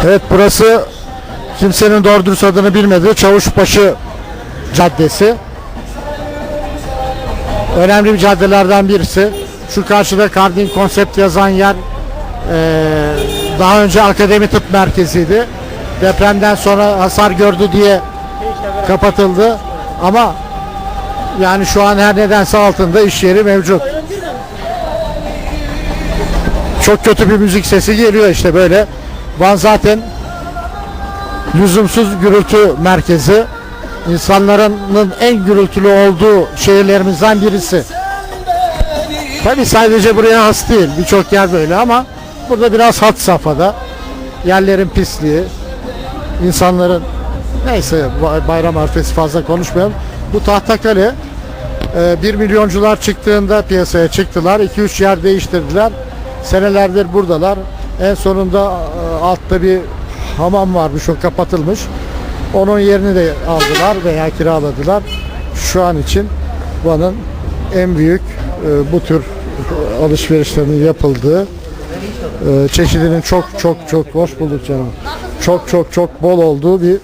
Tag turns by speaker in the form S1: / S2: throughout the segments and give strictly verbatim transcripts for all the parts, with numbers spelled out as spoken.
S1: Evet, burası kimsenin doğru dürüst adını bilmediği Çavuşbaşı Caddesi. Önemli bir caddelerden birisi. Şu karşıda Kardin Konsept yazan yer ee, daha önce Akademi Tıp Merkezi'ydi. Depremden sonra hasar gördü diye kapatıldı. Ama yani şu an her nedense altında iş yeri mevcut. Çok kötü bir müzik sesi geliyor işte böyle. Van zaten lüzumsuz gürültü merkezi. İnsanların en gürültülü olduğu şehirlerimizden birisi. Tabii sadece buraya has değil. Birçok yer böyle ama burada biraz had safhada. Yerlerin pisliği, insanların neyse bayram arifesi fazla konuşmayalım. Bu Tahtakale bir milyoncular çıktığında piyasaya çıktılar. iki üç yer değiştirdiler. Senelerdir buradalar. En sonunda altta bir hamam varmış, o kapatılmış. Onun yerini de aldılar veya kiraladılar. Şu an için Van'ın en büyük bu tür alışverişlerinin yapıldığı, çeşidinin çok çok çok hoş bulduk canım. Çok çok çok bol olduğu bir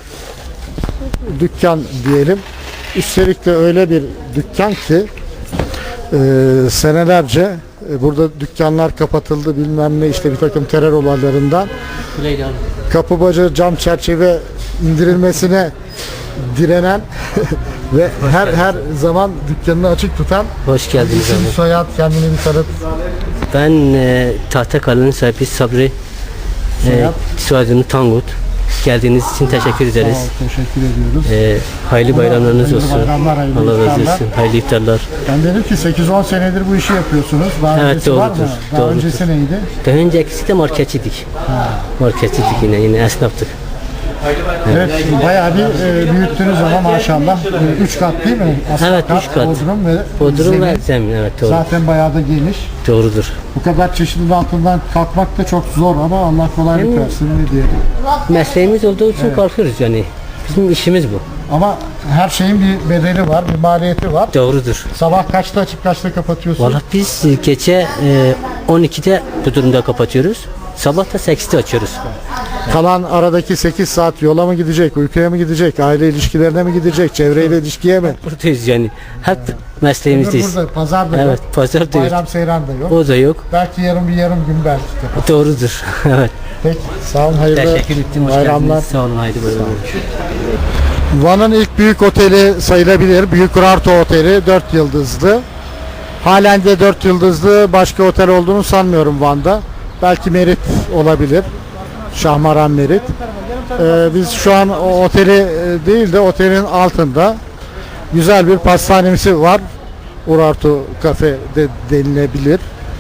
S1: dükkan diyelim. Üstelik de öyle bir dükkan ki e, senelerce e, burada dükkanlar kapatıldı bilmem ne işte bir takım terör olaylarından. Kapı bacağı cam çerçeve indirilmesine direnen ve her her zaman dükkanını açık tutan.
S2: Hoş geldiniz
S1: İsim,
S2: abi.
S1: soyad, kendini bir tanıt.
S2: Ben e, Tahtakale'nin sahibi Sabri. E, soyadım Tangut. Geldiğiniz için teşekkür ederiz.
S1: Sağ ol, teşekkür ediyoruz.
S2: E, hayırlı bayramlarınız
S1: hayırlı
S2: olsun.
S1: bayramlar, hayırlı
S2: Allah razı
S1: iftarlar.
S2: olsun. Hayırlı iftarlar.
S1: Ben dedim ki sekiz on senedir bu işi yapıyorsunuz. Daha
S2: Evet,
S1: öncesi var mı?
S2: doğrudur,
S1: Daha
S2: doğrudur.
S1: öncesi neydi?
S2: Daha öncekisi de marketçiydik. Marketçiydik yine, yine esnaftık.
S1: Evet, bayağı bir e, büyüttünüz ama maşallah. E, üç kat değil mi? Asıl
S2: Evet, üç kat.
S1: Bodrum ve
S2: Bodrum ve
S1: zemin.
S2: zemin, evet doğru.
S1: Zaten bayağı da geniş.
S2: Doğrudur.
S1: Bu kadar çeşidin altından kalkmak da çok zor ama Allah kolaylık
S2: Yani-
S1: versin ne diyelim.
S2: Mesleğimiz olduğu için kalkıyoruz yani. Bizim işimiz bu.
S1: Ama her şeyin bir bedeli var, bir maliyeti var.
S2: Doğrudur.
S1: Sabah kaçta açıp kaçta kapatıyorsun?
S2: Valla biz gece e, on ikide bu durumda kapatıyoruz. Sabah da sekizde açıyoruz.
S1: Kalan aradaki sekiz saat yola mı gidecek, uykuya mı gidecek, aile ilişkilerine mi gidecek, çevreyle ilişkiye mi?
S2: Buradayız yani. Hep mesleğimizdeyiz.
S1: Burada pazar da
S2: Evet,
S1: yok,
S2: pazar da yok.
S1: bayram seyran da yok.
S2: O da yok.
S1: Belki yarım bir yarım gün belki de.
S2: Doğrudur. Evet.
S1: Peki, sağ olun, hayırlı
S2: Teşekkür ettim. Hoş
S1: bayramlar.
S2: geldiniz. Sağ olun. Haydi bayramlar.
S1: Van'ın ilk büyük oteli sayılabilir. Büyük Urartu Oteli, dört yıldızlı. Halen de dört yıldızlı başka otel olduğunu sanmıyorum Van'da. Belki Merit olabilir. Şahmaran Merit. Ee, biz şu an o oteli e, değil de otelin altında güzel bir pastanemizi var. Urartu Cafe de denilebilir.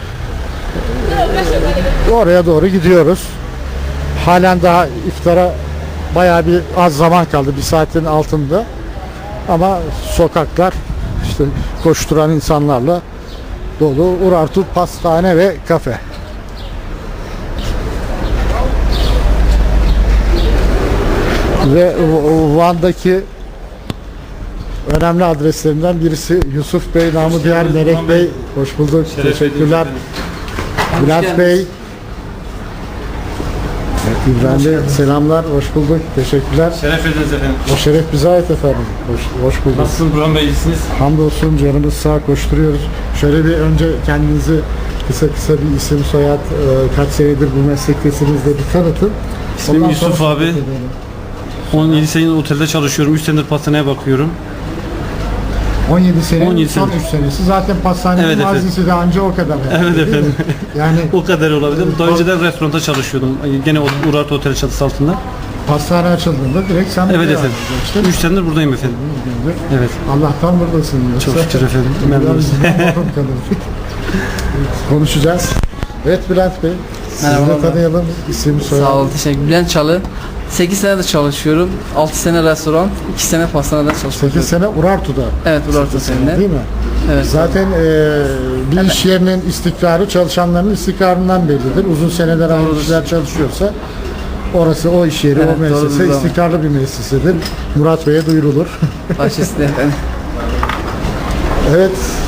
S1: Ee, oraya doğru gidiyoruz. Halen daha iftara bayağı bir az zaman kaldı. Bir saatin altında. Ama sokaklar işte koşturan insanlarla dolu. Urartu Pastane ve Kafe. Ve Van'daki önemli adreslerinden birisi Yusuf Bey, namı diğer Melek Bey. Hoş bulduk.
S3: Şeref
S1: Teşekkürler. Bülent Bey. İbrahim Bey, selamlar. Hoş bulduk. Teşekkürler.
S3: Şeref ediniz efendim.
S1: O şeref bize ait efendim. Hoş, hoş bulduk.
S3: Nasılsınız Burhan Bey, iyisiniz?
S1: Hamdolsun, canımız sağ, koşturuyoruz. Şöyle bir önce kendinizi kısa kısa bir isim, soyad, e, kaç senedir bu meslektesiniz de bir tanıtın.
S3: İsmim
S1: Ondan
S3: Yusuf
S1: sonra
S3: abi.
S1: sohbet edelim.
S3: on yedi senedir otelde çalışıyorum. üç senedir pastaneye bakıyorum.
S1: on yedi sene,
S3: on yedi
S1: son
S3: sene.
S1: üç senesi. Zaten pastanenin
S3: Evet efendim.
S1: mazisi de anca o kadar. herhalde,
S3: Evet
S1: değil mi?
S3: efendim.
S1: Yani
S3: O kadar olabilir. Daha önce de restoranda çalışıyordum. Gene Urartu Otel çatısı altında.
S1: pastane açıldığında direkt sen
S3: Evet
S1: buraya
S3: efendim.
S1: açtın.
S3: üç senedir buradayım efendim. Evet.
S1: Allah'tan buradasın. Yoksa
S3: Çok şükür efendim.
S1: biraz
S3: Memnunuz.
S1: bizden mahrum kalırdık. Konuşacağız. Evet Bülent Bey. Sizi de
S4: Merhabalar.
S1: tanıyalım. İsim, soyad.
S4: Sağ olun, teşekkür Bülent Çalı. sekiz senedir çalışıyorum. altı sene restoran, iki sene pastanede çalışıyorum.
S1: sekiz sene Urartu'da.
S4: Evet, Urartu seninle.
S1: Değil mi?
S4: Evet.
S1: Zaten e, bir iş yerinin istikrarı çalışanların istikrarından bellidir. Uzun seneler aynı kişiler çalışıyorsa orası o iş yeri,
S4: Evet,
S1: o müessese
S4: doğrudur.
S1: istikrarlı bir müessesedir. Murat Bey'e duyurulur.
S4: Başüstüne efendim.
S1: Evet,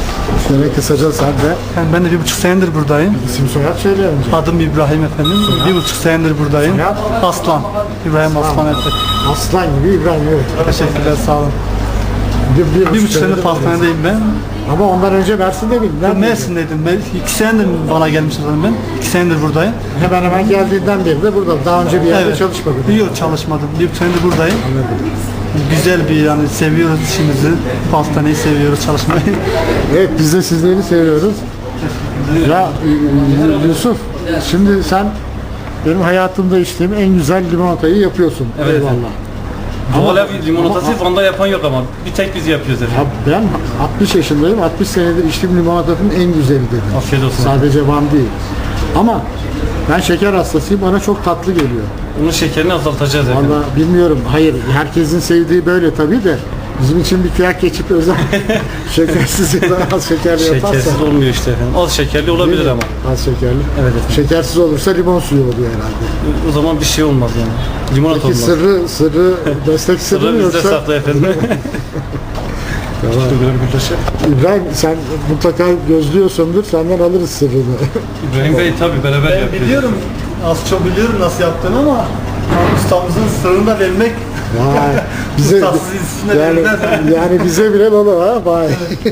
S1: Seni kısaca sen de
S5: Yani ben de bir buçuk senedir buradayım.
S1: isim soyad söyle önce.
S5: Adım İbrahim efendim. Bir buçuk senedir buradayım.
S1: Soyad?
S5: Aslan. İbrahim Aslan efendim.
S1: Aslan gibi İbrahim, evet.
S5: Teşekkürler, sağ olun.
S1: Bir, bir,
S5: Bir buçuk senedir pastanedeyim ben.
S1: Ama ondan önce Mersin'de miydin?
S5: Ben
S1: Neredeydin?
S5: Mersin'deydim. Ben iki senedir bana gelmişim zaten ben. İki senedir buradayım.
S1: Hemen hemen geldiğinden beri de burada. Daha önce bir yerde
S5: Evet.
S1: çalışmadın.
S5: Yok, çalışmadım. Bir buçuk senedir buradayım. Güzel bir, yani seviyoruz işimizi. Pastaneyi seviyoruz, çalışmayı.
S1: Evet, biz de sizleri seviyoruz. Ya y- Yusuf, şimdi sen benim hayatımda içtiğim en güzel limonatayı yapıyorsun.
S3: Evet,
S1: Eyvallah.
S3: Doğal ev limonatası Van'da yapan yok ama bir tek biz yapıyoruz efendim.
S1: Ya ben altmış yaşındayım. altmış senedir içtiğim limonatanın en güzeli dedim.
S3: Afiyet olsun.
S1: Sadece Van değil. Ama ben şeker hastasıyım. Bana çok tatlı geliyor.
S3: Bunun şekerini azaltacağız efendim.
S1: Valla bilmiyorum. Hayır, herkesin sevdiği böyle tabii de bizim için bir kıyak geçip özel şekersiz ya da az şekerli yaparsa.
S3: Şekersiz olmuyor işte efendim. Az şekerli olabilir
S1: Değil mi?
S3: ama.
S1: Az şekerli.
S3: Evet efendim.
S1: Şekersiz olursa limon suyu oluyor herhalde.
S3: O zaman bir şey olmaz yani. Limonata
S1: Peki
S3: olmaz.
S1: sırrı, sırrı, meslek sırrı
S3: Sırrı
S1: mı
S3: bizde
S1: yoksa?
S3: saklı efendim.
S1: Tamam. İbrahim, sen mutlaka gözlüyorsundur, senden alırız sırrını.
S3: İbrahim Bey tabii beraber
S5: Ben
S3: yapıyoruz.
S5: biliyorum, az çok biliyorum nasıl yaptığını ama ustamızın sırrını da vermek
S1: Vay, bize,
S5: ustasız üstüne
S1: yani,
S5: verilmez.
S1: yani bize bile dolu ha, vay.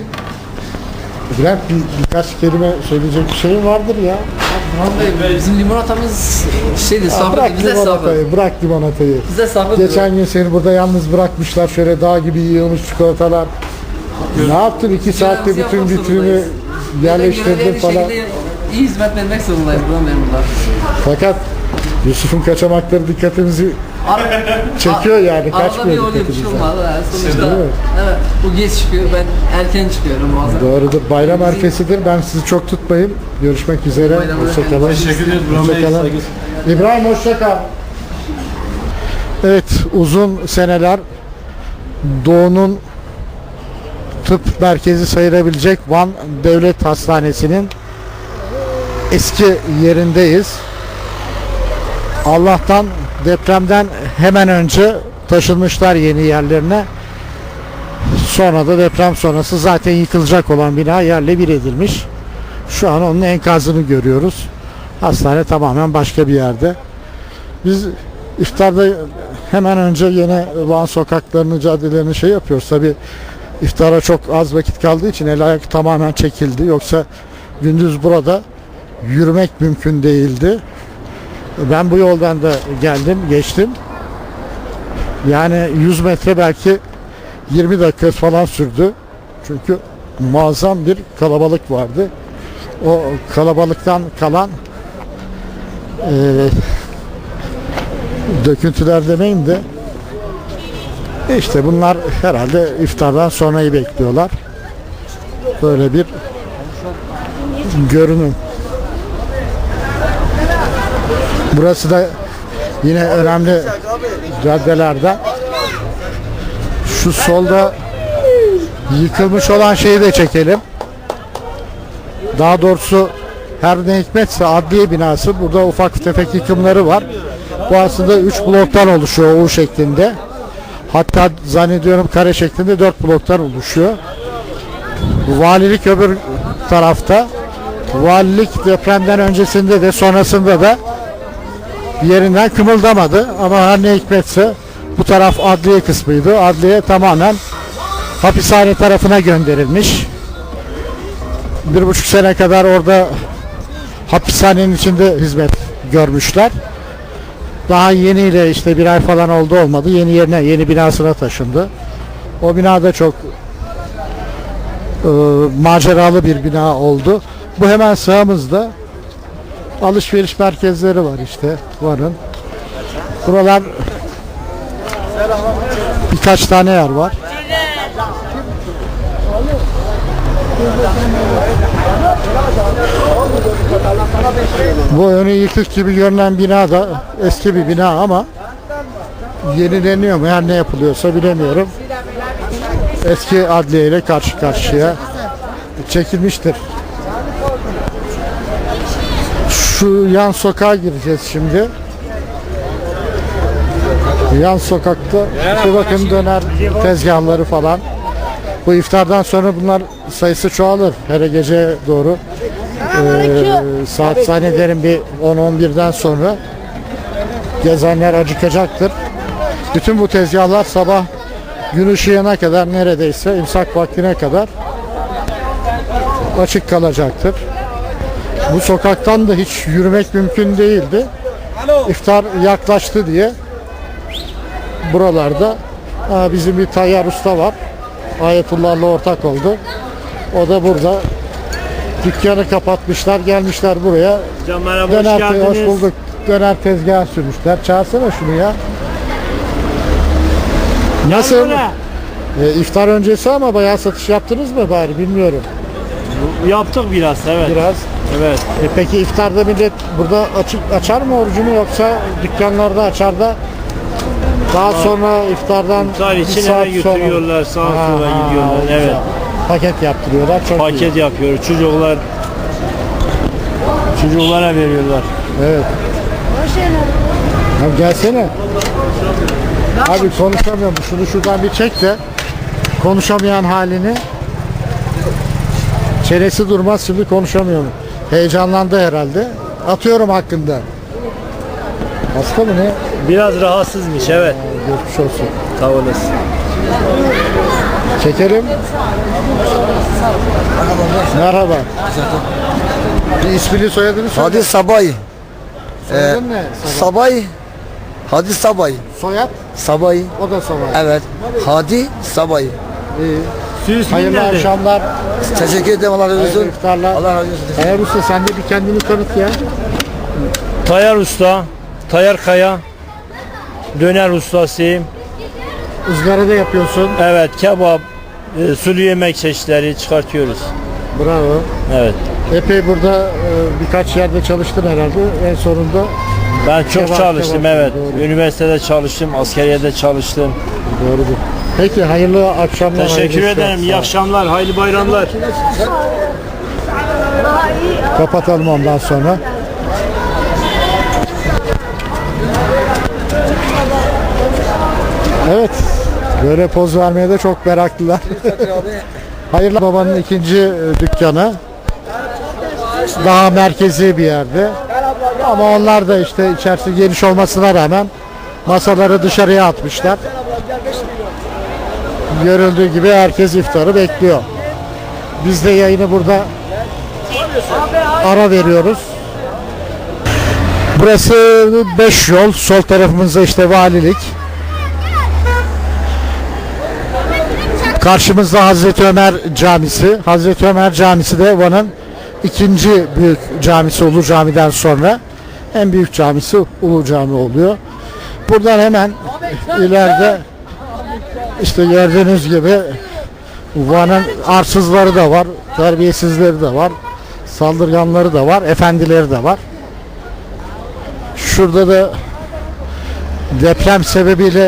S1: İbrahim, bir, birkaç kelime söyleyecek bir şeyin vardır ya.
S4: Burhan Bey, bizim limonatamız şeydi,
S1: Ya
S4: safra
S1: bırak
S4: değil, bizde safra.
S1: limonatayı, bırak limonatayı.
S4: Bizde safra.
S1: Geçen gün seni burada yalnız bırakmışlar, şöyle dağ gibi yığılmış çikolatalar. Ne yaptın? iki saatte
S4: Görevimizi
S1: bütün
S4: yapmak
S1: vitrini
S4: zorundayız.
S1: yerleştirdin falan.
S4: Şekilde iyi hizmet vermek zorundayız Burhan Bey burada.
S1: Fakat Yusuf'un kaçamakları dikkatimizi çekiyor yani,
S4: Arada bir
S1: kaçmıyor
S4: oluyor, bir şey
S1: dikkatimizden.
S4: olmaz. Ha, sonuçta
S1: Değil mi?
S4: evet, bu geç çıkıyor, ben erken çıkıyorum bazen.
S1: Doğrudur. Bayram arifesidir. Ben sizi çok tutmayayım. Görüşmek üzere.
S4: Bayram
S1: Hoşçakalın.
S3: Teşekkür ederiz Burhan Bey.
S1: Hoşçakalın.
S3: Saygı-
S1: İbrahim hoşça kal. Evet, uzun seneler Doğu'nun tıp merkezi sayılabilecek Van Devlet Hastanesi'nin eski yerindeyiz. Allah'tan depremden hemen önce taşınmışlar yeni yerlerine. Sonra da deprem sonrası zaten yıkılacak olan bina yerle bir edilmiş. Şu an onun enkazını görüyoruz. Hastane tamamen başka bir yerde. Biz iftarda hemen önce yine Van sokaklarını, caddelerini şey yapıyoruz. Tabi iftara çok az vakit kaldığı için el ayak tamamen çekildi. Yoksa gündüz burada yürümek mümkün değildi. Ben bu yoldan da geldim, geçtim. Yani yüz metre belki yirmi dakika falan sürdü. Çünkü muazzam bir kalabalık vardı. O kalabalıktan kalan e, döküntüler demeyeyim de işte bunlar herhalde iftardan sonrayı bekliyorlar. Böyle bir görünüm. Burası da yine önemli caddelerden. Şu solda yıkılmış olan şeyi de çekelim. Daha doğrusu her ne hikmetse adliye binası. Burada ufak tefek yıkımları var. Bu aslında üç bloktan oluşuyor U şeklinde. Hatta zannediyorum kare şeklinde dört bloktan oluşuyor. Valilik öbür tarafta. Valilik depremden öncesinde de sonrasında da yerinden kımıldamadı. Ama her ne hikmetse bu taraf adliye kısmıydı. Adliye tamamen hapishane tarafına gönderilmiş. Bir buçuk sene kadar orada hapishanenin içinde hizmet görmüşler. Daha yeniyle işte bir ay falan oldu olmadı. Yeni yerine, yeni binasına taşındı. O binada çok e, maceralı bir bina oldu. Bu hemen sağımızda alışveriş merkezleri var işte. Varın. Buralar birkaç tane yer var. Bu önü yıkık gibi görünen bina da eski bir bina ama yenileniyor mu? Her ne yapılıyorsa bilemiyorum. Eski adliye ile karşı karşıya çekilmiştir. Şu yan sokağa gireceğiz şimdi. Yan sokakta işte bakın döner tezgahları falan. Bu iftardan sonra bunlar sayısı çoğalır. Her gece doğru. Ee, saat zannederim bir on on birden sonra gezenler acıkacaktır. Bütün bu tezgahlar sabah gün ışığına kadar, neredeyse imsak vaktine kadar açık kalacaktır. Bu sokaktan da hiç yürümek mümkün değildi. İftar yaklaştı diye buralarda ha, bizim bir Tayyar Usta var. Ayetullah'la ortak oldu. O da burada. Dükkanı kapatmışlar, gelmişler buraya.
S6: Hocam merhaba,
S1: Döner,
S6: hoş
S1: hoş
S6: geldiniz.
S1: bulduk. Döner tezgahı sürmüşler. Çağırsana şunu ya. Nasıl?
S6: Buraya.
S1: E, iftar öncesi ama bayağı satış yaptınız mı bari bilmiyorum.
S6: Yaptık biraz, evet.
S1: Biraz.
S6: Evet.
S1: E, peki iftarda millet burada açık açar mı orucunu, yoksa dükkanlarda açar da daha sonra iftardan
S6: İftar
S1: bir
S6: için
S1: saat
S6: eve
S1: sonra-
S6: götürüyorlar, sağa
S1: Ha,
S6: sola
S1: ha,
S6: gidiyorlar.
S1: o
S6: Evet.
S1: güzel. Paket yaptırıyorlar. Çok iyi.
S6: Paket yapıyoruz. Çocuklar çocuklara veriyorlar.
S1: Evet. Abi gelsene. Abi konuşamıyorum. Şunu şuradan bir çek de konuşamayan halini. Çenesi durmaz, şimdi konuşamıyorum. Heyecanlandı herhalde. Atıyorum hakkında. Hasta mı ne?
S6: Biraz rahatsızmış, evet.
S1: Geçmiş olsun.
S6: Sağ olasın.
S1: Çekelim. Merhaba. Bir ismini soyadını söyle.
S7: Hadi Sabay.
S1: Soyadın ne? Sabah.
S7: Sabay. Hadi Sabay.
S1: Soyad?
S7: Sabay.
S1: O da Sabah.
S7: Evet. Hadi Sabay.
S1: İyi.
S6: Süs
S1: Hayırlı
S6: nerede?
S1: akşamlar.
S7: Teşekkür ederim. Allah razı
S1: Hayırlı
S7: olsun.
S1: iftarlar.
S7: Allah razı olsun.
S1: Eğer Usta sen de bir kendini tanıt ya.
S6: Tayyar Usta, Tayyar Kaya, döner ustasıyım.
S1: Izgarada yapıyorsun.
S6: Evet, kebap, e, sulu yemek çeşitleri çıkartıyoruz.
S1: Bravo.
S6: Evet.
S1: Epey burada e, birkaç yerde çalıştın herhalde. En sonunda
S6: Ben çok
S1: Kebap,
S6: çalıştım,
S1: kebap,
S6: evet.
S1: doğru.
S6: Üniversitede çalıştım, askeriyede çalıştım.
S1: doğrudur. Peki hayırlı akşamlar.
S6: Teşekkür
S1: hayırlı
S6: ederim.
S1: işler.
S6: İyi akşamlar, hayırlı bayramlar.
S1: Kapatalım ondan sonra. Evet. Böyle poz vermeye de çok meraklılar. Hayırlı babanın ikinci e, dükkanı. Daha merkezi bir yerde. Ama onlar da işte içerisi geniş olmasına rağmen masaları dışarıya atmışlar. Görüldüğü gibi herkes iftarı bekliyor. Biz de yayını burada ara veriyoruz. Burası beş yol. Sol tarafımızda işte valilik. Karşımızda Hazreti Ömer Camisi. Hazreti Ömer Camisi de Van'ın ikinci büyük camisi, Ulu Cami'den sonra. En büyük camisi Ulu Cami oluyor. Buradan hemen ileride işte gördüğünüz gibi Van'ın arsızları da var, terbiyesizleri de var, saldırganları da var, efendileri de var. Şurada da deprem sebebiyle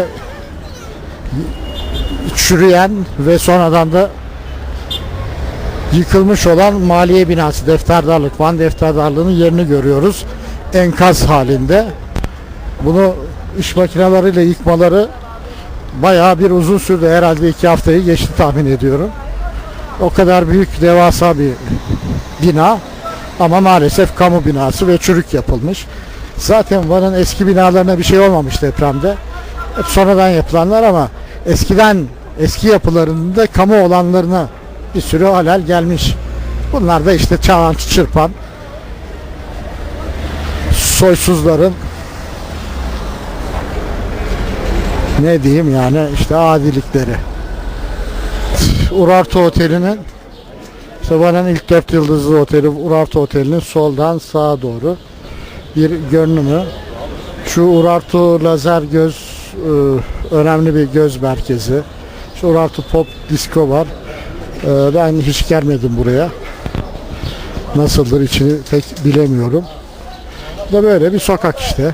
S1: çürüyen ve sonradan da yıkılmış olan maliye binası, defterdarlık, Van defterdarlığının yerini görüyoruz. Enkaz halinde. Bunu iş makineleriyle yıkmaları bayağı bir uzun sürdü. Herhalde iki haftayı geçti tahmin ediyorum. O kadar büyük, devasa bir bina ama maalesef kamu binası ve çürük yapılmış. Zaten Van'ın eski binalarına bir şey olmamış depremde. Hep sonradan yapılanlar, ama eskiden eski yapılarının da kamu olanlarına bir sürü halel gelmiş. Bunlar da işte çalan çırpan soysuzların, ne diyeyim yani, işte adilikleri. Urartu Oteli'nin, işte Van'ın ilk dört yıldızlı oteli Urartu Oteli'nin soldan sağa doğru bir görünümü. Şu Urartu Lazer Göz e, önemli bir göz merkezi. Şu Urartu Pop Disco var. E, ben hiç gelmedim buraya. Nasıldır içini pek bilemiyorum. Bu da böyle bir sokak işte.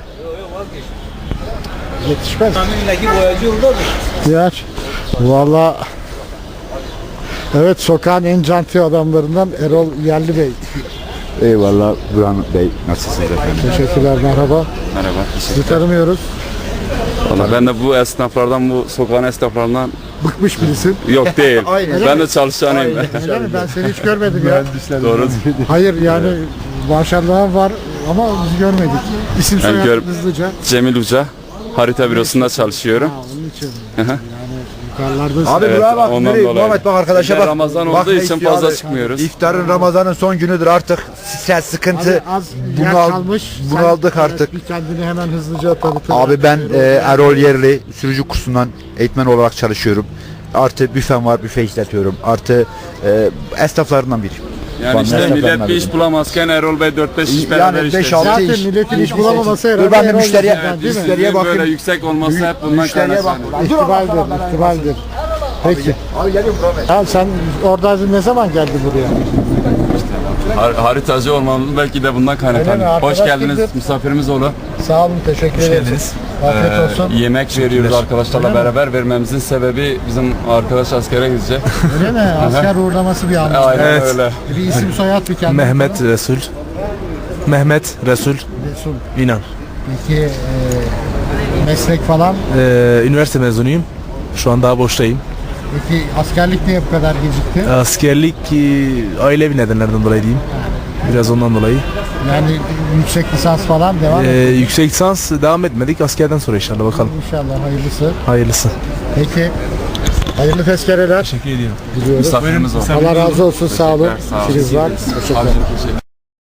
S1: Yetişmez. Ya, valla evet, sokağın en canti adamlarından Erol Yerli Bey.
S8: Eyvallah Burhan Bey, nasılsınız efendim?
S1: Teşekkürler, merhaba.
S8: Merhaba.
S1: Sizi tanımıyoruz.
S8: Vallahi ben de bu esnaflardan, bu sokağın esnaflarından
S1: bıkmış birisin.
S9: Yok değil.
S1: Öyle
S9: ben
S1: mi?
S9: de çalışanıyım.
S1: Öyle mi? Ben seni hiç görmedim ya.
S9: Doğru.
S1: Hayır yani maşallahın var ama biz görmedik. İsim
S9: Ben
S1: soyad
S9: gör-
S1: hızlıca.
S9: Cemil Uca. Harita bürosunda çalışıyorum.
S1: Ha, onun için.
S9: Hı hı.
S1: Yani yukarılardasın.
S8: Abi
S9: Evet,
S8: buraya bak.
S9: ondan
S8: Nereye?
S9: dolayı.
S8: Muhammed bak arkadaşa
S9: Bir de
S8: bak.
S9: Ramazan
S8: Bak
S9: olduğu
S8: ne
S9: için
S8: istiyor
S9: fazla
S8: abi.
S9: çıkmıyoruz.
S8: İftarın Ramazan'ın son günüdür artık. Stres, sıkıntı.
S1: Abi az
S8: Bunu
S1: yer
S8: al-
S1: kalmış.
S8: bunu
S1: Sen,
S8: aldık
S1: evet,
S8: artık.
S1: bir kendini hemen hızlıca tanıtır.
S8: Abi ben e, Erol Yerli sürücü kursundan eğitmen olarak çalışıyorum. Artı büfem var, büfe işletiyorum. Artı e, esnaflarından biri.
S9: Yani
S8: Vallahi
S9: işte
S8: esnaflarından
S9: millet bir iş
S8: biri.
S9: bulamazken Erol Bey dört beş iş
S8: Yani
S9: beraber
S8: beş,
S9: işletiyor.
S8: altı
S1: Zaten
S8: iş.
S1: milletin iş bulamaması herhalde.
S8: Dur ben bir
S1: Erol
S8: müşteriye-
S1: yüzünden, değil mi?
S9: Evet,
S8: Müşteriye
S9: işsizliğin
S8: bakayım.
S9: böyle yüksek olması hep bundan
S8: Müşteriye bak.
S9: kaynaklanıyor.
S1: İhtimaldir, ihtimaldir. Peki.
S8: Abi geliyorum Muhammed.
S1: Tamam sen oradaydın, ne zaman geldin buraya?
S9: Har- haritacı olmamız belki de bundan kaynaklanıyor.
S1: Öyle mi?
S9: Hoş
S1: Arkadaş
S9: geldiniz,
S1: kimdir?
S9: misafirimiz olun.
S1: Sağ olun, teşekkür ederiz. Afiyet
S9: Ee,
S1: olsun.
S9: yemek veriyoruz arkadaşlarla beraber. Vermemizin sebebi bizim arkadaş askere gidecek.
S1: Öyle mi? Asker uğurlaması bir anlamda.
S9: Aynen
S6: Evet.
S9: öyle.
S1: Bir isim soyad bir kendine.
S6: Mehmet Resul. Mehmet Resul
S1: Resul.
S6: İnan.
S1: Peki e, meslek falan.
S6: Ee, üniversite mezunuyum. Şu an daha boştayım.
S1: Peki askerlik niye bu kadar gecikti?
S6: Askerlik e, ailevi nedenlerden dolayı diyeyim. Biraz ondan dolayı.
S1: Yani yüksek lisans falan devam
S6: Ee,
S1: ediyor.
S6: yüksek lisans devam etmedik. Askerden sonra inşallah bakalım.
S1: İnşallah hayırlısı.
S6: Hayırlısı.
S1: Peki hayırlı tezkereler
S6: Teşekkür ediyorum.
S1: diliyoruz.
S9: Misafirimiz olun.
S1: Allah razı olsun, sağ olun.
S9: Sağ olun.
S1: İşiniz var. Teşekkürler.
S9: Teşekkür